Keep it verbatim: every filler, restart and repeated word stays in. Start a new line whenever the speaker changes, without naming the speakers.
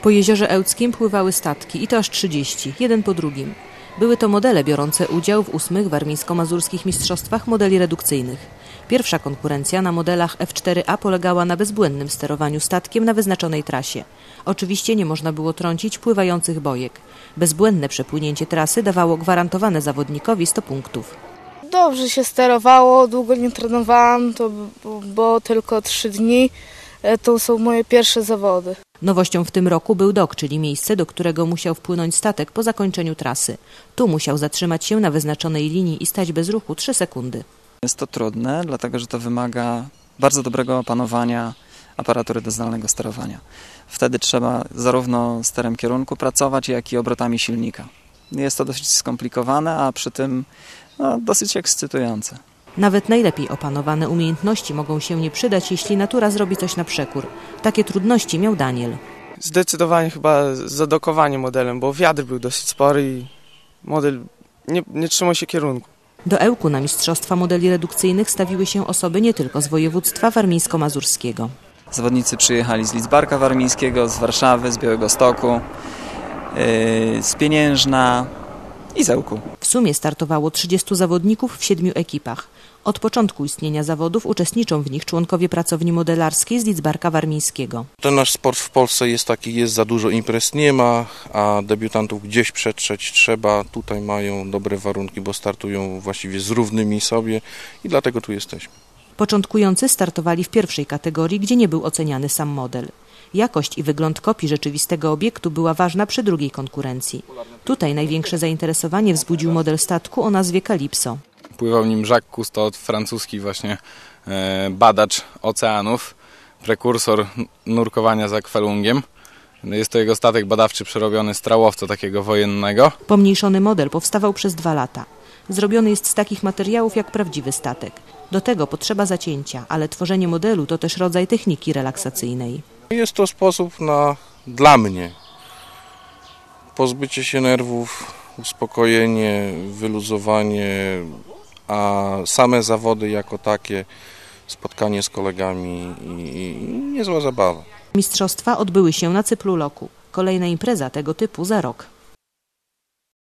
Po jeziorze Ełckim pływały statki i to aż trzydzieści, jeden po drugim. Były to modele biorące udział w ósmych warmińsko-mazurskich mistrzostwach modeli redukcyjnych. Pierwsza konkurencja na modelach F cztery A polegała na bezbłędnym sterowaniu statkiem na wyznaczonej trasie. Oczywiście nie można było trącić pływających bojek. Bezbłędne przepłynięcie trasy dawało gwarantowane zawodnikowi sto punktów.
Dobrze się sterowało, długo nie trenowałam, to było tylko trzy dni. To są moje pierwsze zawody.
Nowością w tym roku był dok, czyli miejsce, do którego musiał wpłynąć statek po zakończeniu trasy. Tu musiał zatrzymać się na wyznaczonej linii i stać bez ruchu trzy sekundy.
Jest to trudne, dlatego że to wymaga bardzo dobrego opanowania aparatury do zdalnego sterowania. Wtedy trzeba zarówno sterem kierunku pracować, jak i obrotami silnika. Jest to dosyć skomplikowane, a przy tym no, dosyć ekscytujące.
Nawet najlepiej opanowane umiejętności mogą się nie przydać, jeśli natura zrobi coś na przekór. Takie trudności miał Daniel.
Zdecydowanie chyba zadokowanie modelem, bo wiatr był dosyć spory i model nie, nie trzymał się kierunku.
Do Ełku na mistrzostwa modeli redukcyjnych stawiły się osoby nie tylko z województwa warmińsko-mazurskiego.
Zawodnicy przyjechali z Lidzbarka Warmińskiego, z Warszawy, z Białegostoku, yy, z Pieniężna i z Ełku.
W sumie startowało trzydziestu zawodników w siedmiu ekipach. Od początku istnienia zawodów uczestniczą w nich członkowie pracowni modelarskiej z Lidzbarka Warmińskiego.
Ten nasz sport w Polsce jest taki, jest za dużo imprez nie ma, a debiutantów gdzieś przetrzeć trzeba. Tutaj mają dobre warunki, bo startują właściwie z równymi sobie i dlatego tu jesteśmy.
Początkujący startowali w pierwszej kategorii, gdzie nie był oceniany sam model. Jakość i wygląd kopii rzeczywistego obiektu była ważna przy drugiej konkurencji. Tutaj największe zainteresowanie wzbudził model statku o nazwie Calypso.
Pływał nim Jacques Cousteau, francuski właśnie e, badacz oceanów, prekursor nurkowania z akwalungiem. Jest to jego statek badawczy przerobiony z trałowca takiego wojennego.
Pomniejszony model powstawał przez dwa lata. Zrobiony jest z takich materiałów jak prawdziwy statek. Do tego potrzeba zacięcia, ale tworzenie modelu to też rodzaj techniki relaksacyjnej.
Jest to sposób na, dla mnie, pozbycie się nerwów, uspokojenie, wyluzowanie, a same zawody jako takie, spotkanie z kolegami i, i niezła zabawa.
Mistrzostwa odbyły się na Cyplu Loku. Kolejna impreza tego typu za rok.